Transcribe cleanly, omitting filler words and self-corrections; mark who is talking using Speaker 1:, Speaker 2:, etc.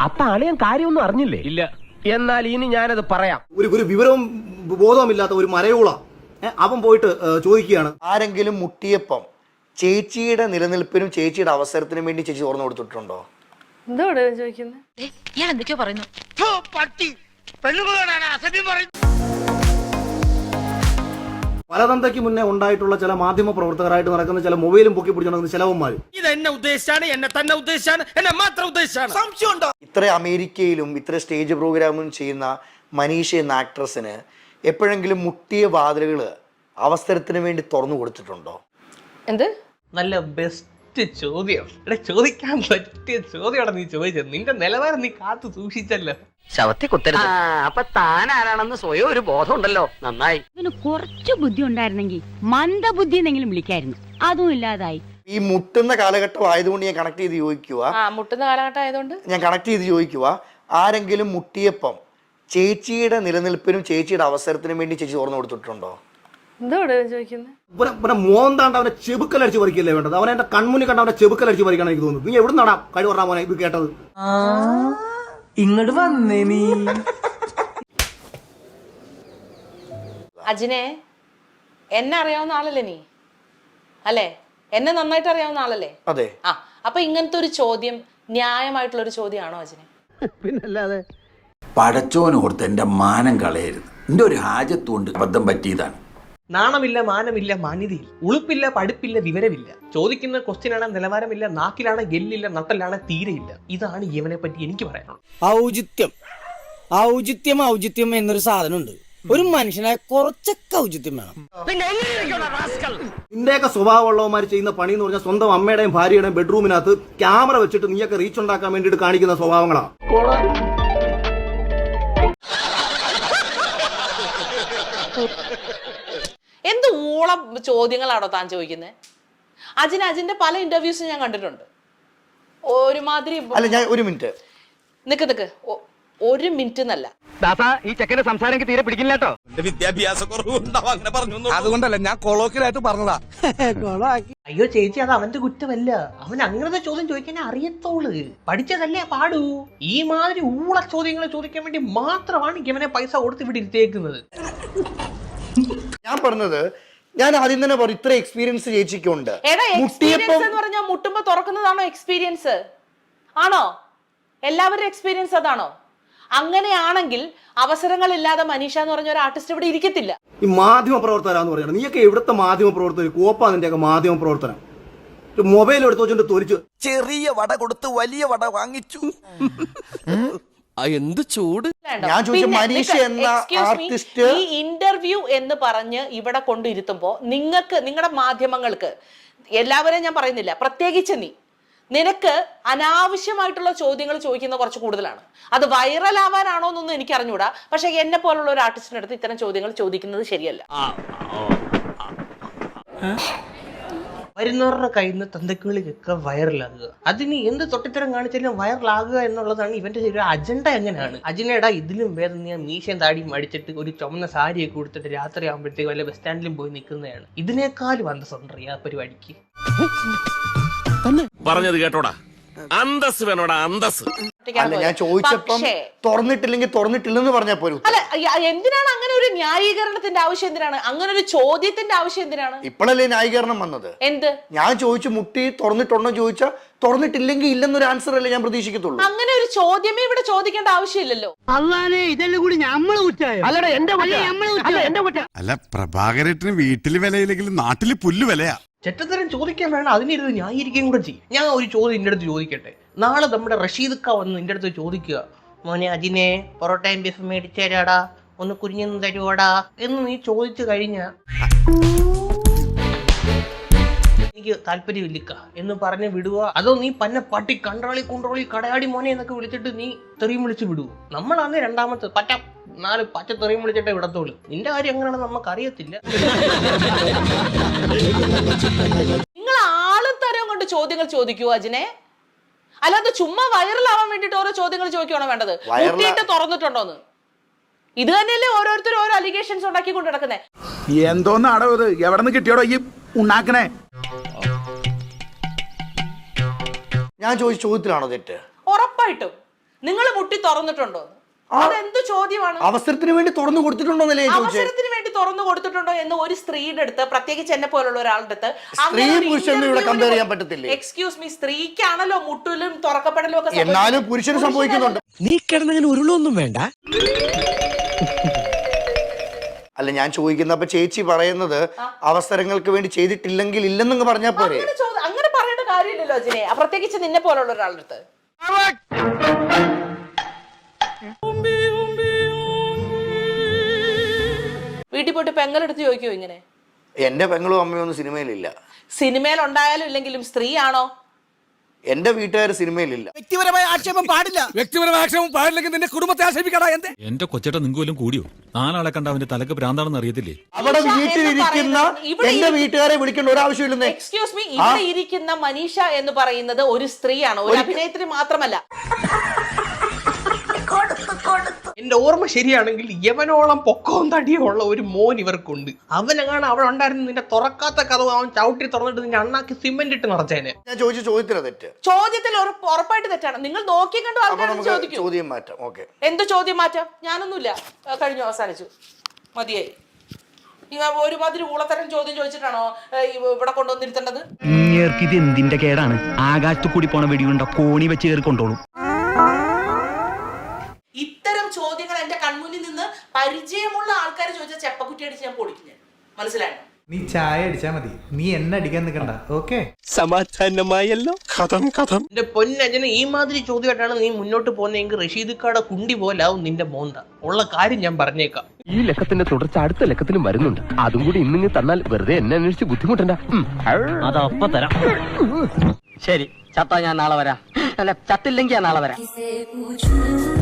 Speaker 1: അപ്പൊ അളിയൻ കാര്യമൊന്നും അറിഞ്ഞില്ലേ? ഇല്ല. എന്നാൽ ഇനി ഞാനത് പറയാം.
Speaker 2: ഒരു വിവരവും ബോധവുമില്ലാത്ത ഒരു മരയോള അവൻ പോയിട്ട് ചോദിക്കുകയാണ്,
Speaker 3: ആരെങ്കിലും മുട്ടിയപ്പം ചേച്ചിയുടെ നിലനിൽപ്പിനും ചേച്ചിയുടെ അവസരത്തിനും വേണ്ടി ചേച്ചി തുറന്നു കൊടുത്തിട്ടുണ്ടോ?
Speaker 4: എന്തോടെ ചോദിക്കുന്നത്?
Speaker 5: ഞാൻ എന്തൊക്കെയോ പറയുന്നു.
Speaker 2: പലതന്തയ്ക്ക് മുന്നേ ഉണ്ടായിട്ടുള്ള ചില മാധ്യമ പ്രവർത്തകരായിട്ട് നടക്കുന്ന ചില മൊബൈലും പൊക്കി പിടിച്ചു നടക്കുന്ന ചിലവന്മാർ
Speaker 1: ഇത് എന്നെ ഉദ്ദേശിച്ചാണ്, എന്നെ തന്നെ ഉദ്ദേശിച്ചാണ്, എന്നെ മാത്രം ഉദ്ദേശിച്ചാണ്. സംശയമുണ്ടോ?
Speaker 3: ഇത്ര അമേരിക്കയിലും ഇത്ര സ്റ്റേജ് പ്രോഗ്രാമും ചെയ്യുന്ന മനീഷ എന്ന ആക്ട്രസിന് എപ്പോഴെങ്കിലും മുട്ടിയ വാതിലുകൾ അവസരത്തിന് വേണ്ടി തുറന്നു കൊടുത്തിട്ടുണ്ടോ?
Speaker 4: എന്ത്
Speaker 6: നല്ല ബെസ്റ്റ് ചോദ്യം. ഇവിടെ ചോദിക്കാൻ പറ്റിയ ചോദ്യമാണ് നീ ചോദിച്ചത്. നിന്റെ നിലവാരം നീ കാത്തു സൂക്ഷിച്ചല്ലോ.
Speaker 7: ശവത്തെ കുത്തരുത്. അപ്പൊ താൻ ആരാണെന്ന് സ്വയം ഒരു ബോധം ഉണ്ടല്ലോ. നന്നായി.
Speaker 5: ഇതിന് കുറച്ച് ബുദ്ധി ഉണ്ടായിരുന്നെങ്കിൽ മന്ദബുദ്ധി എന്നെങ്കിലും വിളിക്കായിരുന്നു. അതും ഇല്ലാതായി.
Speaker 3: ഈ മുട്ടുന്ന കാലഘട്ടം ആയതുകൊണ്ട് ഞാൻ കണക്ട് ചെയ്ത് ചോദിക്കുക,
Speaker 4: മുട്ടുന്ന കാലഘട്ടം ആയതുകൊണ്ട്
Speaker 3: ഞാൻ കണക്ട് ചെയ്ത് ചോദിക്കുക, ആരെങ്കിലും മുട്ടിയപ്പം ചേച്ചിയുടെ നിലനിൽപ്പിനും ചേച്ചിയുടെ അവസരത്തിനും വേണ്ടി ചേച്ചി തുറന്നു കൊടുത്തിട്ടുണ്ടോ?
Speaker 4: എന്തോടെ ചോദിക്കുന്നത്?
Speaker 2: മോന്താണ്ട് അവനെ ചെബുക്കലടിച്ച് പറിക്കല്ലേ വേണ്ടത്. അവനെ എന്റെ കൺമുന്നിൽ കണ്ട അവനെ ചെബുക്കലടിച്ച് പറിക്കണം എനിക്ക് തോന്നുന്നു. നീ എവിടെ നടാ കഴിവ് പറഞ്ഞ മോനെ ഇത് കേട്ടത്?
Speaker 1: ഇങ്ങോട്ട് വന്നേ നീ.
Speaker 4: അജിനെ, എന്നെ അറിയാവുന്ന ആളല്ലേ നീ? അല്ലേ? എന്നെ നന്നായിട്ട് അറിയാവുന്ന ആളല്ലേ?
Speaker 3: അതെ.
Speaker 4: അപ്പൊ ഇങ്ങനത്തെ ഒരു ചോദ്യം ന്യായമായിട്ടുള്ള ഒരു ചോദ്യമാണോ അജിനെ?
Speaker 1: പിന്നല്ലാതെ.
Speaker 8: പടച്ചോനോർത്ത് എന്റെ മാനം കളയരുത്. എന്റെ ഒരു ഹാജത്തുകൊണ്ട് അബദ്ധം പറ്റിയതാണ്.
Speaker 6: നാണമില്ല, മാനമില്ല, മാന്യതയില്ല, ഉളുപ്പില്ല, പഠിപ്പില്ല, വിവരമില്ല. ചോദിക്കുന്ന ക്വസ്റ്റ്യനാണ് നിലവാരമില്ല, നാക്കിലാണ് ഗെല്ലില്ല, നട്ടലാണ് തീരെയില്ല. ഇതാണ് ഇവനെ പറ്റി എനിക്ക് പറയാനുള്ളത്.
Speaker 9: ഔചിത്യം എന്നൊരു സാധനമുണ്ട്. ഒരു മനുഷ്യനായ കുറച്ചൊക്കെ ഔചിത്യം വേണം.
Speaker 2: നിന്റെയൊക്കെ സ്വഭാവമുള്ളവന്മാർ ചെയ്യുന്ന പണി എന്ന് പറഞ്ഞാൽ സ്വന്തം അമ്മയുടെയും ഭാര്യയുടെയും ബെഡ്റൂമിനകത്ത് ക്യാമറ വെച്ചിട്ട് നീയൊക്കെ റീച്ച് ഉണ്ടാക്കാൻ വേണ്ടിയിട്ട് കാണിക്കുന്ന സ്വഭാവങ്ങളാണ്.
Speaker 4: എന്ത് ഊളം ചോദ്യങ്ങളാണോ താൻ ചോദിക്കുന്നത്? അജിന്റെ പല ഇന്റർവ്യൂസും ഞാൻ കണ്ടിട്ടുണ്ട്. ഒരുമാതിരി
Speaker 3: അല്ല, ഞാൻ ഒരു മിനിറ്റ്
Speaker 4: നിക്ക് ഒരു മിനിറ്റ് എന്നല്ല.
Speaker 7: ഈ ചെക്കന്റെ സംസാരം എനിക്ക് തീരെ പിടിക്കില്ല കേട്ടോ.
Speaker 1: വിദ്യാഭ്യാസ കുറവുണ്ടാവും അങ്ങനെ പറഞ്ഞു.
Speaker 9: അതുകൊണ്ടല്ല, ഞാൻ കൊളോക്കിലായിട്ട് പറഞ്ഞതാ.
Speaker 6: അയ്യോ ചേച്ചി, അത് അവന്റെ കുറ്റമല്ല. അവൻ അങ്ങനത്തെ ചോദ്യം ചോദിക്കാൻ അറിയത്തോള്. പഠിച്ചതല്ലേ പാടൂ. ഈ മാതിരി ഊള ചോദ്യങ്ങൾ ചോദിക്കാൻ വേണ്ടി മാത്രമാണ് ഇവനെ പൈസ കൊടുത്ത് ഇവിടെ ഇരുത്തേക്കുന്നത്.
Speaker 3: ഞാൻ പറഞ്ഞത്, ഞാൻ ആദ്യം തന്നെ പറഞ്ഞു ഇത്ര എക്സ്പീരിയൻസ് ചേച്ചിക്കുണ്ട്.
Speaker 4: എക്സ്പീരിയൻസ് എന്ന് പറഞ്ഞാൽ മുട്ടുമ്പോ തുറക്കുന്നതാണോ എക്സ്പീരിയൻസ്? ആണോ? എല്ലാവരുടെ എക്സ്പീരിയൻസ് അതാണോ? അങ്ങനെയാണെങ്കിൽ അവസരങ്ങളില്ലാതെ മനീഷ എന്ന് പറഞ്ഞ ഒരു ആർട്ടിസ്റ്റ് ഇവിടെ ഇരിക്കത്തില്ല.
Speaker 2: ഈ മാധ്യമ പ്രവർത്തകരാന്ന് പറയുന്നത് നീയൊക്കെ എവിടുത്തെ മാധ്യമ പ്രവർത്തകർ? കോപ്പാ നിന്റെയൊക്കെ മാധ്യമ പ്രവർത്തനം. മൊബൈൽ എടുത്ത് വെച്ചോണ്ട് തൊലിച്ചു
Speaker 9: ചെറിയ വട കൊടുത്ത് വലിയ വട വാങ്ങിച്ചു. എന്ത് ചൂട്.
Speaker 3: ഞാൻ ചോദിച്ച മനീഷ എന്ന ആർട്ടിസ്റ്റ്
Speaker 4: ഈ ഇന്റർവ്യൂ എന്ന് പറഞ്ഞ് ഇവിടെ കൊണ്ടിരുത്തുമ്പോ നിങ്ങളുടെ മാധ്യമങ്ങൾക്ക്, എല്ലാവരെയും ഞാൻ പറയുന്നില്ല, പ്രത്യേകിച്ച് നിനക്ക് അനാവശ്യമായിട്ടുള്ള ചോദ്യങ്ങൾ ചോദിക്കുന്ന കുറച്ച് കൂടുതലാണ്. അത് വൈറൽ ആവാനാണോ എന്നൊന്നും എനിക്ക് അറിഞ്ഞൂടാ. പക്ഷെ എന്നെ പോലുള്ള ഒരു ആർട്ടിസ്റ്റിന്റെ അടുത്ത് ഇത്തരം ചോദ്യങ്ങൾ ചോദിക്കുന്നത് ശരിയല്ല.
Speaker 6: വരുന്നവരുടെ കയ്യിൽ നിന്ന് തന്തക്കുകളിലൊക്കെ വൈറലാകുക, അതിന് എന്ത് തൊട്ടിത്തരം കാണിച്ചാലും വൈറലാകുക എന്നുള്ളതാണ് ഇവന്റെ ഒരു അജണ്ട. എങ്ങനെയാണ് അജിനേടാ ഇതിലും വേദന ഞാൻ മീശയും താടിയും അടിച്ചിട്ട് ഒരു ചുമന്ന സാരിയൊക്കെ കൊടുത്തിട്ട് രാത്രി ആകുമ്പോഴത്തേക്ക് വല്ല ബസ് സ്റ്റാൻഡിലും പോയി നിൽക്കുന്നതാണ്. ഇതിനേക്കാളും അന്തസ്സുണ്ട് ആ പരിപാടിക്ക്.
Speaker 1: പറഞ്ഞത് കേട്ടോടാ, അന്തസ് വേണോടാ, അന്തസ്.
Speaker 3: അല്ല, ഞാൻ ചോദിച്ചപ്പം തുറന്നിട്ടില്ലെങ്കിൽ തുറന്നിട്ടില്ലെന്ന് പറഞ്ഞാൽ പോലും.
Speaker 4: അല്ല, എന്തിനാണ് അങ്ങനെ ഒരു ന്യായീകരണത്തിന്റെ ആവശ്യം? എന്തിനാണ് അങ്ങനെ ഒരു ചോദ്യത്തിന്റെ ആവശ്യം? എന്തിനാണ്
Speaker 3: ഇപ്പോഴല്ലേ ന്യായീകരണം വന്നത്?
Speaker 4: എന്ത്?
Speaker 3: ഞാൻ ചോദിച്ചു മുട്ടി തുറന്നിട്ടുണ്ടോ ചോദിച്ചാൽ തുറന്നിട്ടില്ലെങ്കിൽ ഇല്ലെന്നൊരു ആൻസർ അല്ലേ ഞാൻ പ്രതീക്ഷിക്കത്തുള്ളൂ.
Speaker 4: അങ്ങനെ ഒരു ചോദ്യമേ ഇവിടെ ചോദിക്കേണ്ട ആവശ്യമില്ലല്ലോ.
Speaker 10: അല്ല, പ്രഭാകരേട്ടന് വീട്ടില് വിലയില്ലെങ്കിലും നാട്ടില് പുല്ല് വിലയാ.
Speaker 6: ചെറ്റത്തരം ചോദിക്കാൻ വേണം, അതിനിരുന്ന് ന്യായീകരിക്കുകയും കൂടെ ചെയ്യും. ഞാൻ ഒരു ചോദ്യം നിന്റെ അടുത്ത് ചോദിക്കട്ടെ. നാളെ നമ്മുടെ റഷീദ്ക്ക വന്ന് നിന്റെ അടുത്ത് ചോദിക്കുക, മോനെ അജിനെ പൊറോട്ടയും ബീഫ് മേടിച്ചു തരാടാ, ഒന്ന് കുരിഞ്ഞു തരുവാടാ എന്ന് നീ ചോദിച്ചു കഴിഞ്ഞാ എനിക്ക് താല്പര്യമില്ലിക്ക എന്ന് പറഞ്ഞ് വിടുക, അതോ നീ പന്ന പട്ടി കൺട്രോളി കടയാടി മോനെ എന്നൊക്കെ വിളിച്ചിട്ട് നീ തെറിയും വിളിച്ച് വിടുവോ? നമ്മളാന്ന് രണ്ടാമത്തെ 4 പച്ച തെറിയും വിളിച്ചിട്ടേ വിടത്തോളൂ. നിന്റെ കാര്യം എങ്ങനെയാണെന്ന് നമുക്ക് അറിയത്തില്ല.
Speaker 4: നിങ്ങൾ ആളും തരം കൊണ്ട് ചോദ്യങ്ങൾ ചോദിക്കൂ അജിനെ, അല്ലാതെ ചുമ്മാ വൈറലാവാൻ വേണ്ടിട്ട് ഓരോ ചോദ്യങ്ങൾ ചോദിക്കുകയാണോ വേണ്ടത്? മുട്ടിയിട്ട് തുറന്നിട്ടുണ്ടോന്ന്? ഇത് തന്നെയല്ലേ ഓരോരുത്തരും ഓരോ അലിഗേഷൻസ് ഉണ്ടാക്കി കൊണ്ട് നടക്കുന്നേ.
Speaker 10: എന്തോന്നാടോ ഇത്? എവിടെ നിന്ന് കിട്ടിയോടോ ഈ ഉണ്ടാക്കണേ?
Speaker 3: ഞാൻ ചോദിച്ച ചോദ്യത്തിലാണോ തെറ്റ്?
Speaker 4: ഉറപ്പായിട്ടും നിങ്ങൾ മുട്ടി തുറന്നിട്ടുണ്ടോ? അതെന്ത് ചോദ്യമാണ്?
Speaker 3: അവസരത്തിന് വേണ്ടി തുറന്നു കൊടുത്തിട്ടുണ്ടോന്നല്ലേ ചോദിച്ചത്?
Speaker 4: അവസരത്തിന് വേണ്ടി തുറന്നു കൊടുത്തിട്ടുണ്ടോ എന്ന് ഒരു സ്ത്രീയുടെ അടുത്ത്, പ്രത്യേകിച്ച് എന്നെ പോലുള്ള ഒരാളുടെ അടുത്ത്,
Speaker 3: സ്ത്രീ പുരുഷനും ഇവിടെ കമ്പയർ ചെയ്യാൻ പറ്റത്തില്ലേ?
Speaker 4: എക്സ്ക്യൂസ് മീ, സ്ത്രീക്കാണല്ലോ മുട്ടലും തുറക്കപ്പെടലും ഒക്കെ.
Speaker 3: എന്നാലും പുരുഷന് സംഭവിക്കുന്നുണ്ട്.
Speaker 9: നീ കിടന്നങ്ങനെ ഉരുളൊന്നും വേണ്ട.
Speaker 3: അല്ല ഞാൻ ചോദിക്കുന്ന, അപ്പൊ ചേച്ചി പറയുന്നത് അവസരങ്ങൾക്ക് വേണ്ടി ചെയ്തിട്ടില്ലെങ്കിൽ ഇല്ലെന്നങ്ങ് പറഞ്ഞാൽ പോരെ?
Speaker 4: അങ്ങനെ പറയേണ്ട കാര്യമില്ലല്ലോ അജിനെ, പ്രത്യേകിച്ച് നിന്നെ പോലുള്ള ഒരാളുടെ അടുത്ത്. വീട്ടിൽ പോയിട്ട് പെങ്ങളെടുത്ത് ചോദിക്കോ ഇങ്ങനെ?
Speaker 3: എന്റെ പെങ്ങളും അമ്മയും ഒന്നും സിനിമയിലില്ല.
Speaker 4: സിനിമയിൽ ഉണ്ടായാലും ഇല്ലെങ്കിലും സ്ത്രീയാണോ?
Speaker 3: എന്റെ വീട്ടുകാർ സിനിമയിലില്ല.
Speaker 9: വ്യക്തിപരമായ ആക്ഷേപം പാടില്ല.
Speaker 1: വ്യക്തിപരമായ ആക്ഷേപം പാടില്ലെങ്കിൽ നിന്റെ കുടുംബത്തെ ആക്ഷേപിക്കടാ.
Speaker 11: എന്റെ കൊച്ചേട്ട നിങ്ങോലും കൂടിയോ? 4 ആളെ കണ്ട അവന്റെ തലക്ക് ഭ്രാന്താണെന്ന് അറിയത്തില്ലേ?
Speaker 3: അവിടെ വീട്ടിലിരിക്കുന്ന എന്റെ വീട്ടുകാരെ വിളിക്കേണ്ട ഒരാവശ്യമില്ലെന്നേ.
Speaker 4: എക്സ്ക്യൂസ് മീ, ഇവിടെ ഇരിക്കുന്ന മനീഷ എന്ന് പറയുന്നത് ഒരു സ്ത്രീയാണ്, ഒരു അഭിനേത്രി മാത്രമല്ല.
Speaker 6: എന്റെ ഓർമ്മ ശരിയാണെങ്കിൽ യവനോളം പൊക്കവും തടിയും ഉള്ള ഒരു മോൻ ഇവർക്കുണ്ട്. അവനെങ്ങാണ് അവിടെ ഉണ്ടായിരുന്നു നിന്റെ തുറക്കാത്ത കഥ അവൻ ചവിട്ടി തുറന്നിട്ട് നിന്റെ അണ്ണാക്കി സിമെന്റ് ഇട്ട് നിറച്ചേനെ.
Speaker 3: ഞാൻ ചോദിച്ച ചോദ്യത്തിലാ തെറ്റ്.
Speaker 4: ചോദ്യത്തിൽ ഉറപ്പായിട്ട് തെറ്റാണ്. നിങ്ങൾ നോക്കി കണ്ടു ആൾക്കാരോട് ചോദിക്കും.
Speaker 3: ചോദ്യം മാറ്റാം. ഓക്കെ, എന്ത്
Speaker 4: ചോദ്യം മാറ്റാം? ഞാനൊന്നുമില്ല, കഴിഞ്ഞു, അവസാനിച്ചു, മതിയായി. ഒരുമാതിരി ഊളത്തരം ചോദ്യം ചോദിച്ചിട്ടാണോ ഇവിടെ കൊണ്ടുവന്നിരുത്തേണ്ടത്?
Speaker 9: ഇത് എന്തിന്റെ കേടാണ്? ആകാശത്ത് കൂടി പോണ വെടിയുണ്ട കോണി വെച്ച് കയറി കൊണ്ടോളും.
Speaker 4: ഇത്തരം ചോദ്യങ്ങൾ എന്റെ കൺമുന്നിൽ നിന്ന് പരിചയമുള്ള ആൾക്കാർ ചോദിച്ചാൽ ചെപ്പക്കുറ്റി അടിച്ച് ഞാൻ പൊടിക്കും. ഞാൻ മനസ്സിലായോ?
Speaker 12: നീ ചായ അടിച്ചാ മതി, നീ എന്നെ അടിക്കാൻ നിൽക്കണ്ട. ഓക്കെ,
Speaker 9: സമാധാനമായല്ലോ. കഥം
Speaker 6: എന്റെ പൊന്നജന, ഈ മാതിരി ചോദ്യമായിട്ടാണ് നീ മുന്നോട്ട് പോകുന്നതെങ്കിൽ റഷീദ്ക്കാടെ കുണ്ടി പോലാവും നിന്റെ മോന്ത. ഉള്ള കാര്യം ഞാൻ പറഞ്ഞേക്കാം.
Speaker 9: ഈ ലക്കത്തിന്റെ തുടർച്ച അടുത്ത ലക്കത്തിലും വരുന്നുണ്ട്. അതും കൂടി ഇന്നിങ്ങ് തന്നാൽ വെറുതെ എന്നെ അന്വേഷിച്ച് ബുദ്ധിമുട്ടണ്ട. അതപ്പ തരാം.
Speaker 7: ശരി, ചത്താ ഞാൻ നാളെ വരാം. അല്ല, ചത്തില്ലെങ്കിൽ ഞാൻ നാളെ വരാം.